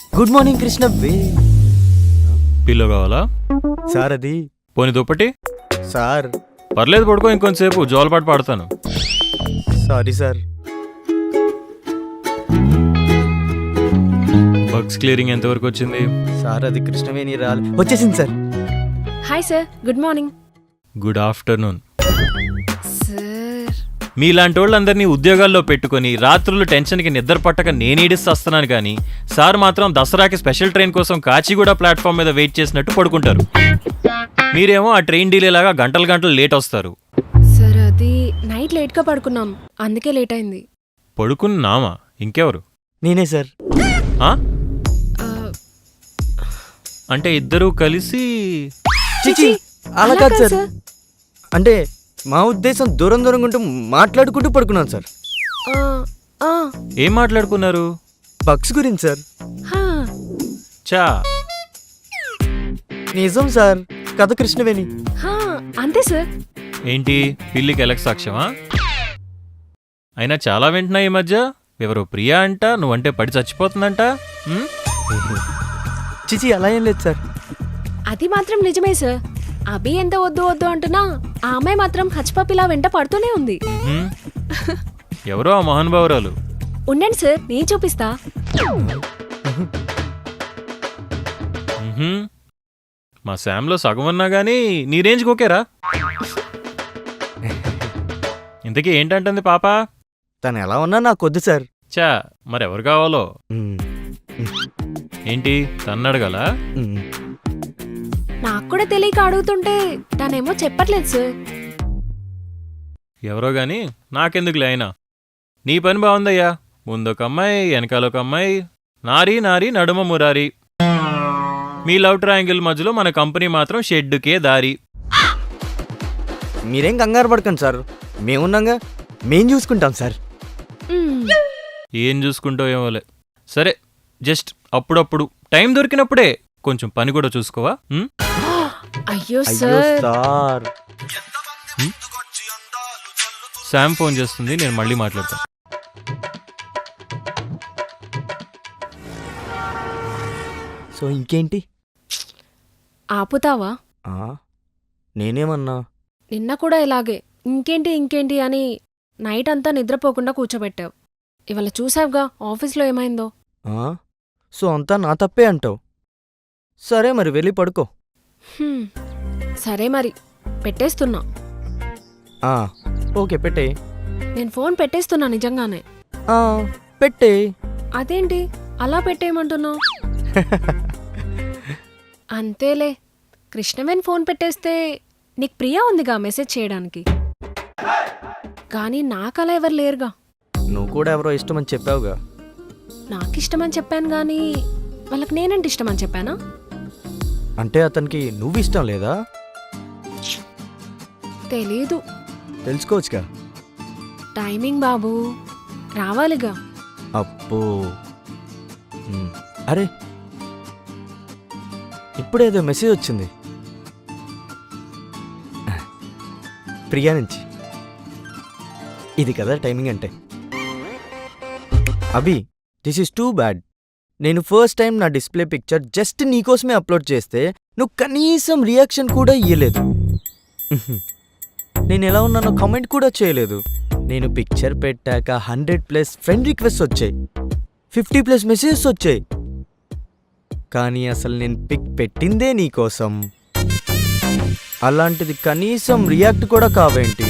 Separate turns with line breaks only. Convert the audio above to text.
Good morning Krishna బే.
Pillow కావాలా
sir అది
పోనీ దుప్పటి
సార్.
పర్లేదు పడుకో ఇంకొంతసేపు జోలపాటు పాడతాను.
Sorry sir.
బగ్స్ క్లియరింగ్ ఎంతవరకు వచ్చింది?
సార్ అది కృష్ణవేణి వచ్చేసింది sir.
Hi sir, good morning.
Good afternoon.
Sir
మీలాంటి వాళ్ళందరినీ ఉద్యోగాల్లో పెట్టుకొని రాత్రులు టెన్షన్కి నిద్ర పట్టక నేనేడిస్తస్తున్నాను కానీ సార్ మాత్రం దసరాకి స్పెషల్ ట్రైన్ కోసం కాచిగూడ ప్లాట్ఫామ్ మీద వెయిట్ చేసినట్టు పడుకుంటారు. మీరేమో ఆ ట్రైన్ డీలే లాగా గంటలు గంటలు లేట్ వస్తారు.
సార్ అది నైట్ లేట్గా పడుకున్నాం, అందుకే లేట్ అయింది.
పడుకున్నామా? ఇంకెవరు?
నేనే సార్.
ఆ?
ఆ,
అంటే ఇద్దరూ కలిసి?
చిచి అలా కాదు సార్. అంటే మా ఉద్దేశం దూరం దూరంగా ఉంటూ మాట్లాడుకుంటూ పడుకున్నాను సార్.
ఆ, ఆ,
ఏం మాట్లాడుకున్నారు?
బగ్స్ గురించి సార్.
హా.
చా
నిజం సార్, కథ కృష్ణవేణి.
హా, అంతే సార్.
ఏంటి పిల్లికి ఎలక్ సాక్ష్యమా? అయినా చాలా వింటున్నా ఈ మధ్య. ఎవరో ప్రియా అంట, నువ్వంటే పడి చచ్చిపోతుందంట. ఉమ్?
చిచి అలా ఏం లేదు సార్.
అది మాత్రం నిజమే సార్. అభి ఎంత వద్దు వద్దు అంటున్నా ఆ అమ్మాయి మాత్రం హచ్చిపప్పిలా వెంట పడుతూనే ఉంది.
ఉమ్? ఎవరో ఆ మహానుభావురాలు.
ఉండండి సార్, నేను చూపిస్తా.
ఉహుం. మా శామ్లో సగం ఉన్నా గానీ నీ రేంజ్కి ఓకేరా. ఇంతకీ ఏంటంటుంది పాప?
తను ఎలా ఉన్నా నాకు వద్దు సార్.
చా మరెవరు కావాలో?
మ్మ్.
ఏంటి తన్నడగల?
మ్మ్.
నాకు కూడా తెలియక అడుగుతుంటే తనేమో చెప్పట్లేదు సార్.
ఎవరో గాని నాకెందుకులే అయినా. నీ పని బాగుందయ్యా. ముందొక అమ్మాయి, వెనకాలొక అమ్మాయి, నారీ నారీ నడుమ మురారి. మీ లవ్ ట్రయాంగిల్ మధ్యలో మన కంపెనీ మాత్రం షెడ్డుకే దారి.
మీరేం కంగారు పడకండి సార్, మేమున్నాగా, మేం చూసుకుంటాం సార్.
మ్మ్.
ఏం చూసుకుంటావు ఏమోలే. సరే, జస్ట్ అప్పుడప్పుడు టైం దొరికినప్పుడే కొంచెం పని కూడా చూసుకోవా? ఉమ్?
అయ్యో
అయ్యో
సార్.
సార్.
శామ్ ఫోన్ చేస్తుంది, నేను మళ్ళీ మాట్లాడతాను.
సో ఇంకేంటి?
ఆపుతావా?
ఆ, నేనేమన్నా?
నిన్న కూడా ఇలాగే ఇంకేంటి ఇంకేంటి అని నైట్ అంతా నిద్రపోకుండా కూర్చోబెట్టావు. ఇవాళ చూసావుగా ఆఫీస్లో ఏమైందో.
ఆ, సో అంతా నా తప్పే అంటావు. సరే మరి వెళ్ళి పడుకో.
హ్మ్. సరే మరి పెట్టేస్తున్నా.
ఆ, ఓకే పెట్టే.
నేను ఫోన్ పెట్టేస్తున్నా నిజంగానే.
పెట్టే.
అదేంటి అలా పెట్టేయమంటున్నావు? అంతేలే, కృష్ణవేణి ఫోన్ పెట్టేస్తే నీకు ప్రియా ఉందిగా మెసేజ్ చేయడానికి. కానీ నాకలా ఎవరు లేరుగా.
నువ్వు కూడా ఎవరో ఇష్టమని చెప్పావుగా.
నాకిష్టమని చెప్పాను గానీ వాళ్ళకి నేనంటే ఇష్టమని చెప్పానా?
అంటే అతనికి నువ్వు ఇష్టం లేదా?
తెలీదు.
తెలుసుకోవచ్చుగా.
టైమింగ్ బాబు, రావాలిగా.
అబ్బో. అరే ఇప్పుడేదో మెసేజ్ వచ్చింది ప్రియా నుంచి. ఇది కదా టైమింగ్ అంటే. Abhi, this is too bad. నేను ఫస్ట్ టైం నా డిస్ప్లే పిక్చర్ జస్ట్ నీకోసమే అప్లోడ్ చేస్తే నువ్వు కనీసం రియాక్షన్ కూడా ఇయ్యలేదు. నేను ఎలా ఉన్నానో కామెంట్ కూడా చేయలేదు. నేను పిక్చర్ పెట్టాక 100+ ఫ్రెండ్ రిక్వెస్ట్ వచ్చాయి, 50+ మెసేజెస్ వచ్చాయి. కానీ అసలు నేను పిక్ పెట్టిందే నీకోసం. అలాంటిది కనీసం రియాక్ట్ కూడా కావేంటి?